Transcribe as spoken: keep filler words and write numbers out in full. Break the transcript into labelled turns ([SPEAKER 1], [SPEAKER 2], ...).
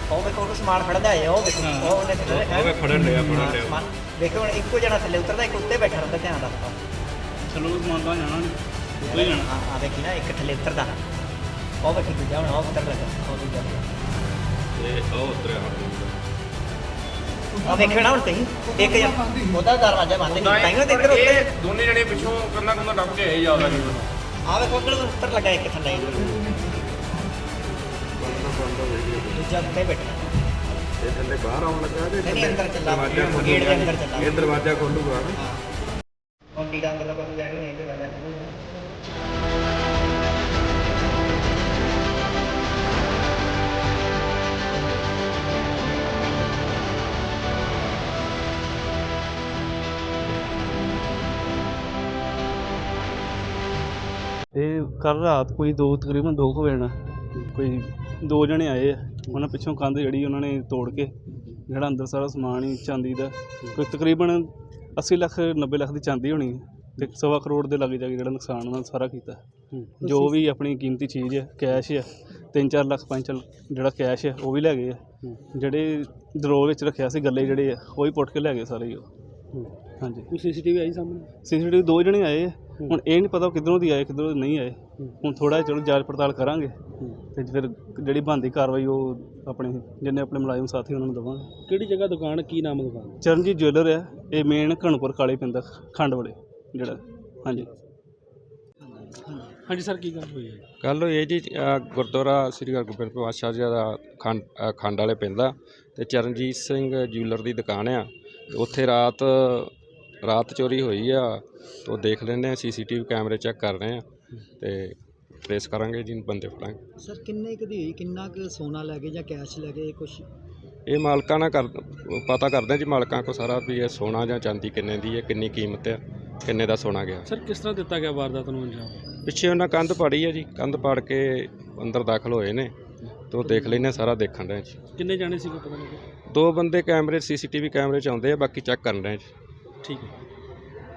[SPEAKER 1] ਉਹ ਵੇਖੋ ਉਹਨੂੰ ਸਮਾਨ ਫੜਦਾ ਹੈ ਉਹ ਵੇਖੋ ਉਹ ਉਹਨੇ
[SPEAKER 2] ਉਹ ਫੜਨ ਲਿਆ ਫੜਨ ਲਿਆ
[SPEAKER 1] ਸਮਾਨ ਵੇਖੋ ਹੁਣ ਇੱਕੋ ਜਣਾ ਥੱਲੇ ਉਤਰਦਾ ਇੱਕ ਉੱਤੇ ਬੈਠਾ ਰਹਿੰਦਾ ਧਿਆਨ ਰੱਖਦਾ
[SPEAKER 2] ਚਲੋ ਸਮਾਨ ਤਾਂ ਜਾਣਾ ਨਹੀਂ ਉੱਤੇ ਹੀ ਜਾਣਾ
[SPEAKER 1] ਹਾਂ ਆ ਵੇਖੀ ਨਾ ਇੱਕ ਥੱਲੇ ਉਤਰਦਾ ਉਹ ਵੇਖੀ ਦੂਜਾ ਹੁਣ ਉਹ ਉਤਰ ਲੱਗਾ ਉਹ ਦੂਜਾ
[SPEAKER 2] ਤੇ ਉਹ ਉਤਰਿਆ
[SPEAKER 1] ਆ ਵੇਖੋ ਨਾ ਹੁਣ ਤੁਸੀਂ ਇੱਕ ਜਣਾ ਉਹਦਾ ਦਰਵਾਜ਼ਾ ਬੰਦ ਨਹੀਂ ਤਾਂ ਹੀ ਤੇ ਇੱਧਰ ਉੱਤੇ
[SPEAKER 2] ਦੋਨੇ ਜਣੇ ਪਿੱਛੋਂ ਕੰਨਾ ਕੰਨਾ ਟੱਪ ਕੇ ਆਏ ਜ਼ਿਆਦਾ ਨਹੀਂ
[SPEAKER 1] ਆ ਵੇਖੋ ਉੱਧਰ ਉੱਤਰ ਲੱਗਾ ਇੱਕ ਥੱਲੇ ਦੂਜਾ ਉੱਤੇ ਬੈਠਾ
[SPEAKER 3] ਇਹ ਥੱਲੇ ਬਾਹਰ ਆਉਣ ਲੱਗਾ ਤੇ
[SPEAKER 1] ਨਹੀਂ ਅੰਦਰ ਚੱਲਾ
[SPEAKER 3] ਦਰਵਾਜ਼ਾ
[SPEAKER 1] ਗੇਟ ਦੇ ਅੰਦਰ ਚੱਲਾ
[SPEAKER 3] ਇਹ ਦਰਵਾਜ਼ਾ ਖੋਲੂਗਾ ਨਾ
[SPEAKER 1] ਹਾਂ ਹੁਣ ਡੀਡਾ ਅੰਦਰ ਕੋਲ ਜਾਣੀ ਨਹੀਂ ਤੇ ਵਾਲਾ
[SPEAKER 4] ਇਹ ਕੱਲ੍ਹ ਰਾਤ ਕੋਈ ਦੋ ਤਕਰੀਬਨ ਦੋ ਕੁ ਵਜੇ ਨਾਲ ਕੋਈ ਦੋ ਜਣੇ ਆਏ ਆ ਉਹਨਾਂ ਪਿੱਛੋਂ ਕੰਧ ਜਿਹੜੀ ਉਹਨਾਂ ਨੇ ਤੋੜ ਕੇ ਜਿਹੜਾ ਅੰਦਰ ਸਾਰਾ ਸਮਾਨ ਹੀ ਚਾਂਦੀ ਦਾ ਕੋਈ ਤਕਰੀਬਨ ਅੱਸੀ ਲੱਖ ਨੱਬੇ ਲੱਖ ਦੀ ਚਾਂਦੀ ਹੋਣੀ ਅਤੇ ਸਵਾ ਕਰੋੜ ਦੇ ਲਾਗੇ ਜਾ ਕੇ ਜਿਹੜਾ ਨੁਕਸਾਨ ਉਹਨਾਂ ਨੇ ਸਾਰਾ ਕੀਤਾ ਜੋ ਵੀ ਆਪਣੀ ਕੀਮਤੀ ਚੀਜ਼ ਹੈ ਕੈਸ਼ ਆ ਤਿੰਨ ਚਾਰ ਲੱਖ ਪੰਜ ਚਾਰ ਜਿਹੜਾ ਕੈਸ਼ ਹੈ ਉਹ ਵੀ ਲੈ ਗਏ ਆ ਜਿਹੜੇ ਦਰੋਹ ਵਿੱਚ ਰੱਖਿਆ ਸੀ ਗੱਲੇ ਜਿਹੜੇ ਆ ਉਹ ਵੀ ਪੁੱਟ ਕੇ ਲੈ ਗਏ ਸਾਰੇ ਹੀ ਉਹ ਹਾਂਜੀ
[SPEAKER 2] ਕੋਈ ਸੀ ਸੀ ਟੀ ਵੀ ਆਈ ਸਾਹਮਣੇ
[SPEAKER 4] ਸੀ ਸੀ ਟੀ ਵੀ ਦੋ ਜਣੇ ਆਏ ਆ ਹੁਣ ਇਹ ਨਹੀਂ ਪਤਾ ਕਿੱਧਰੋਂ ਦੀ ਆਏ ਕਿੱਧਰੋਂ ਨਹੀਂ ਆਏ ਹੁਣ ਥੋੜ੍ਹਾ ਚਲੋ ਜਾਂਚ ਪੜਤਾਲ ਕਰਾਂਗੇ ਅਤੇ ਫਿਰ ਜਿਹੜੀ ਬਣਦੀ ਕਾਰਵਾਈ ਉਹ ਆਪਣੇ ਜਿੰਨੇ ਆਪਣੇ ਮੁਲਾਜ਼ਮ ਸਾਥੀ ਉਹਨਾਂ ਨੂੰ ਦੇਵਾਂਗੇ।
[SPEAKER 2] ਕਿਹੜੀ ਜਗ੍ਹਾ ਦੁਕਾਨ ਕੀ ਨਾਮ ਦੁਕਾਨ
[SPEAKER 4] ਚਰਨਜੀਤ ਜੁਐਲਰ ਆ ਇਹ ਮੇਨ ਘਣਪੁਰ ਕਾਲੇ ਪਿੰਡ ਖੰਡ ਵਾਲੇ ਜਿਹੜਾ ਹਾਂਜੀ
[SPEAKER 2] ਹਾਂਜੀ ਸਰ ਕੀ ਗੱਲ ਹੋਈ ਹੈ
[SPEAKER 3] ਕੱਲ੍ਹ ਇਹ ਜੀ ਅ, ਗੁਰਦੁਆਰਾ ਸ੍ਰੀ ਹਰਗੋਬਿੰਦ ਪਾਤਸ਼ਾਹ ਜੀ ਦਾ ਖੰਡ ਅ, ਖੰਡ ਵਾਲੇ ਪਿੰਡ ਆ ਅਤੇ ਚਰਨਜੀਤ ਸਿੰਘ ਜਿਊਲਰ ਦੀ ਦੁਕਾਨ ਆ ਤੇ ਉੱਥੇ ਰਾਤ ਰਾਤ ਚੋਰੀ ਹੋਈ ਆ ਤਾਂ ਉਹ ਦੇਖ ਲੈਂਦੇ ਆ ਸੀ ਸੀ ਟੀ ਵੀ ਕੈਮਰੇ ਚੈੱਕ ਕਰ ਰਹੇ ਆ ਅਤੇ ਟਰੇਸ ਕਰਾਂਗੇ ਜੀ ਬੰਦੇ ਫੜਾਂਗੇ।
[SPEAKER 5] ਸਰ ਕਿੰਨੇ ਕੁ ਦੀ ਹੋਈ ਕਿੰਨਾ ਕੁ ਸੋਨਾ ਲੈ ਗਏ ਜਾਂ ਕੈਸ਼ ਲੈ ਗਏ ਕੁਛ
[SPEAKER 3] ਇਹ ਮਾਲਕਾਂ ਨਾਲ ਕਰ ਪਤਾ ਕਰਦੇ ਜੀ ਮਾਲਕਾਂ ਕੋ ਸਾਰਾ ਵੀ ਇਹ ਸੋਨਾ ਜਾਂ ਚਾਂਦੀ ਕਿੰਨੇ ਦੀ ਹੈ ਕਿੰਨੀ ਕੀਮਤ ਹੈ ਕਿੰਨੇ ਦਾ ਸੋਨਾ ਗਿਆ।
[SPEAKER 2] ਸਰ ਕਿਸ ਤਰ੍ਹਾਂ ਦਿੱਤਾ ਗਿਆ ਵਾਰਦਾਤ ਨੂੰ ਅੰਜਾਮ
[SPEAKER 3] ਪਿੱਛੇ ਉਹਨਾਂ ਕੰਧ ਪਾੜੀ ਹੈ ਜੀ ਕੰਧ ਪਾੜ ਕੇ ਅੰਦਰ ਦਾਖਲ ਹੋਏ ਨੇ ਤੇ ਉਹ ਦੇਖ ਲੈਂਦੇ ਸਾਰਾ ਦੇਖਣ ਰਹੇ ਜੀ।
[SPEAKER 2] ਕਿੰਨੇ ਜਾਣੇ ਸੀ ਕੋਈ ਪਤਾ ਨਹੀਂ
[SPEAKER 3] ਦੋ ਬੰਦੇ ਕੈਮਰੇ ਸੀ ਸੀ ਟੀ ਵੀ ਕੈਮਰੇ 'ਚ ਆਉਂਦੇ ਆ ਬਾਕੀ ਚੈੱਕ ਕਰਨ ਰਹੇ ਜੀ।
[SPEAKER 2] ਠੀਕ ਹੈ।